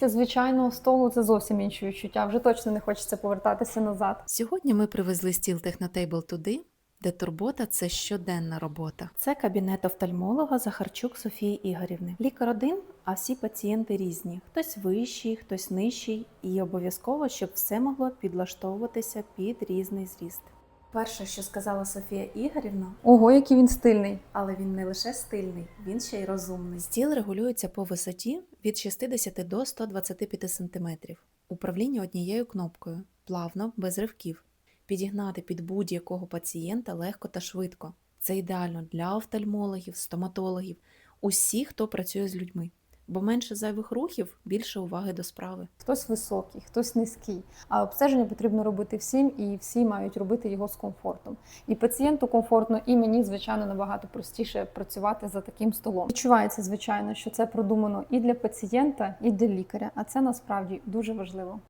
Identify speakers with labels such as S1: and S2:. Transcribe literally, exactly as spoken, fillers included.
S1: Після звичайного столу це зовсім інші відчуття. Вже точно не хочеться повертатися назад.
S2: Сьогодні ми привезли стіл Технотейбл туди, де турбота – це щоденна робота. Це кабінет офтальмолога Захарчук Софії Ігорівни. Лікар один, а всі пацієнти різні. Хтось вищий, хтось нижчий. І обов'язково, щоб все могло підлаштовуватися під різний зріст. Перше, що сказала Софія Ігорівна,
S1: Ого, який він стильний.
S2: але він не лише стильний, він ще й розумний. Стіл регулюється по висоті від шістдесят до ста двадцяти п'яти см. Управління однією кнопкою, плавно, без ривків. Підігнати під будь-якого пацієнта легко та швидко. Це ідеально для офтальмологів, стоматологів, усіх, хто працює з людьми. Бо менше зайвих рухів, більше уваги до справи.
S1: Хтось високий, хтось низький. А обстеження потрібно робити всім, і всі мають робити його з комфортом. І пацієнту комфортно, і мені, звичайно, набагато простіше працювати за таким столом. Відчувається, звичайно, що це продумано і для пацієнта, і для лікаря, а це насправді дуже важливо.